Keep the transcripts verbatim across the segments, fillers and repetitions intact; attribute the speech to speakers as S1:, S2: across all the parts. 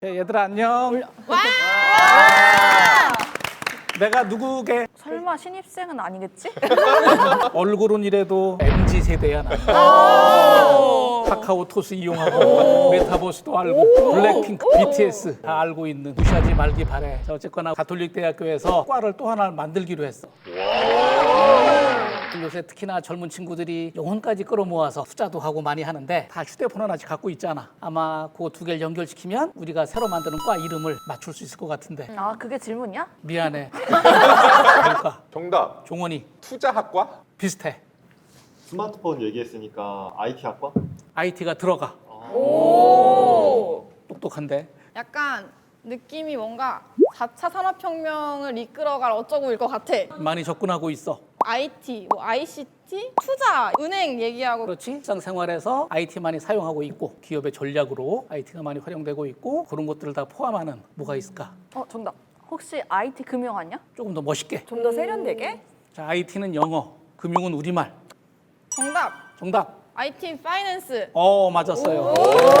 S1: 야, 얘들아 안녕.
S2: 와!
S1: 내가 누구게?
S2: 설마 신입생은 아니겠지?
S1: 얼굴은 이래도 엠지 세대야 나. 카카오톡스 이용하고 메타버스도 알고 블랙핑크, 비티에스 다 알고 있는 무시하지 말기 바래. 자, 어쨌거나 가톨릭 대학교에서 과를 또 하나 만들기로 했어. 요새 특히나 젊은 친구들이 영혼까지 끌어모아서 투자도 하고 많이 하는데 다 휴대폰 하나씩 갖고 있잖아. 아마 그 두 개를 연결시키면 우리가 새로 만드는 과 이름을 맞출 수 있을 것 같은데.
S2: 아, 그게 질문이야?
S1: 미안해. 뭘까?
S3: 정답.
S1: 종원이
S3: 투자학과?
S1: 비슷해.
S4: 스마트폰 얘기했으니까 아이티학과?
S1: 아이티가 들어가.
S2: 오!
S1: 똑똑한데.
S5: 약간 느낌이 뭔가 사 차 산업혁명을 이끌어갈 어쩌고일 것 같아.
S1: 많이 접근하고 있어.
S5: 아이티, 뭐 아이씨티, 투자, 은행 얘기하고
S1: 그렇지? 일상생활에서 아이티 많이 사용하고 있고 기업의 전략으로 아이티가 많이 활용되고 있고 그런 것들을 다 포함하는 뭐가 있을까?
S2: 어, 정답. 혹시 아이티 금융 아니야?
S1: 조금 더 멋있게.
S2: 좀 더 세련되게?
S1: 자, 아이티는 영어, 금융은 우리말.
S5: 정답,
S1: 정답.
S5: 아이티 파이낸스.
S1: 어, 맞았어요.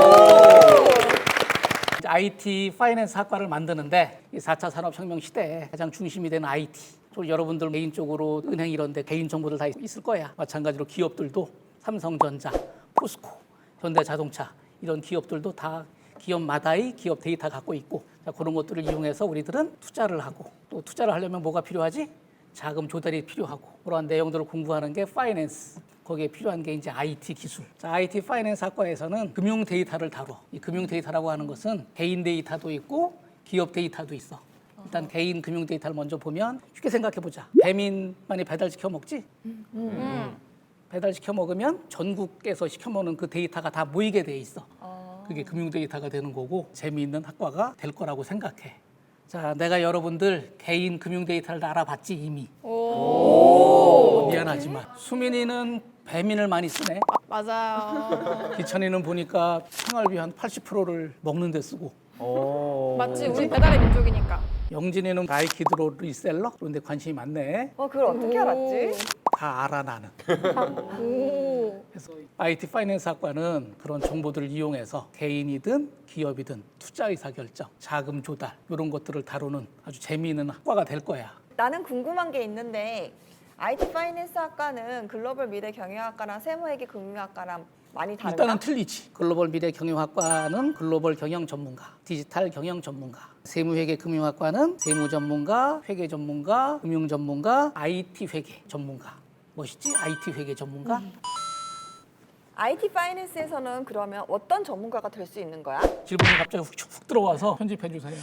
S1: 이제 아이티 파이낸스 학과를 만드는데 이 사 차 산업혁명 시대에 가장 중심이 되는 아이티. 또 여러분들 개인적으로 은행 이런 데 개인 정보들 다 있을 거야. 마찬가지로 기업들도 삼성전자, 포스코, 현대자동차 이런 기업들도 다 기업마다의 기업 데이터 갖고 있고 자, 그런 것들을 이용해서 우리들은 투자를 하고 또 투자를 하려면 뭐가 필요하지? 자금 조달이 필요하고 그러한 내용들을 공부하는 게 파이낸스. 거기에 필요한 게 이제 아이티 기술. 자, 아이티 파이낸스 학과에서는 금융 데이터를 다뤄. 이 금융 데이터라고 하는 것은 개인 데이터도 있고 기업 데이터도 있어. 일단 개인 금융 데이터를 먼저 보면 쉽게 생각해 보자. 배민만이 배달시켜 먹지?
S5: 음.
S1: 배달시켜 먹으면 전국에서 시켜 먹는 그 데이터가 다 모이게 돼 있어. 그게 금융 데이터가 되는 거고 재미있는 학과가 될 거라고 생각해. 자, 내가 여러분들 개인 금융 데이터를 다 알아봤지 이미.
S5: 오.
S1: 미안하지만 수민이는 배민을 많이 쓰네.
S5: 맞아요.
S1: 기천이는 보니까 생활비 한 팔십 퍼센트를 먹는 데 쓰고
S5: 맞지? 우리 배달의 민족이니까.
S1: 영진이는 나이키드로 리셀러? 그런데 관심이 많네.
S2: 어, 그걸 어떻게 알았지?
S1: 다 알아 나는.
S5: 오.
S1: 그래서 아이티 파이낸스 학과는 그런 정보들을 이용해서 개인이든 기업이든 투자 의사 결정, 자금 조달 이런 것들을 다루는 아주 재미있는 학과가 될 거야.
S6: 나는 궁금한 게 있는데 아이티 파이낸스 학과는 글로벌 미래 경영학과랑 세무회계 금융학과랑 많이 다른가?
S1: 일단은 틀리지. 글로벌 미래 경영학과는 글로벌 경영 전문가, 디지털 경영 전문가. 세무회계 금융학과는 세무 전문가, 회계 전문가, 금융 전문가, 아이티 회계 전문가. 멋있지? 아이티 회계 전문가.
S6: 음. 아이티 파이낸스에서는 그러면 어떤 전문가가 될 수 있는 거야?
S1: 질문이 갑자기 훅, 훅 들어와서 편집해 주세요.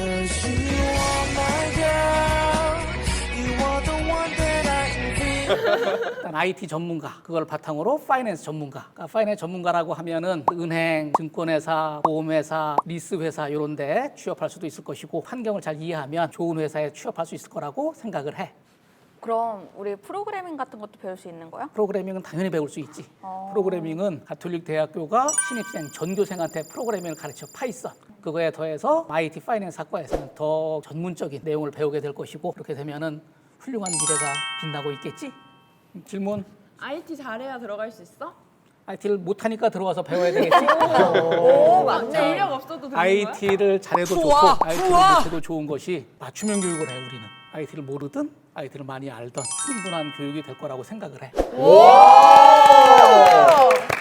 S1: 일단 아이티 전문가, 그걸 바탕으로 파이낸스 전문가. 그러니까 파이낸스 전문가라고 하면은 은행, 증권회사, 보험회사, 리스회사 이런 데 취업할 수도 있을 것이고 환경을 잘 이해하면 좋은 회사에 취업할 수 있을 거라고 생각을 해.
S2: 그럼 우리 프로그래밍 같은 것도 배울 수 있는 거야?
S1: 프로그래밍은 당연히 배울 수 있지. 프로그래밍은 가톨릭 대학교가 신입생, 전교생한테 프로그래밍을 가르쳐 파이썬. 그거에 더해서 아이티 파이낸스 학과에서는 더 전문적인 내용을 배우게 될 것이고 그렇게 되면은 훌륭한 미래가 빛나고 있겠지? 질문.
S5: 아이티 잘해야 들어갈 수 있어?
S1: 아이티를 못하니까 들어와서 배워야 되겠지?
S6: 오, 맞네.
S5: 전력 없어도 되는 거야?
S1: 아이티를 잘해도
S6: 좋아,
S1: 좋고 아이티를
S6: 좋아.
S1: 못해도 좋은 것이 맞춤형 교육을 해 우리는. 아이티를 모르든 아이티를 많이 알던 충분한 교육이 될 거라고 생각을 해.
S6: 오!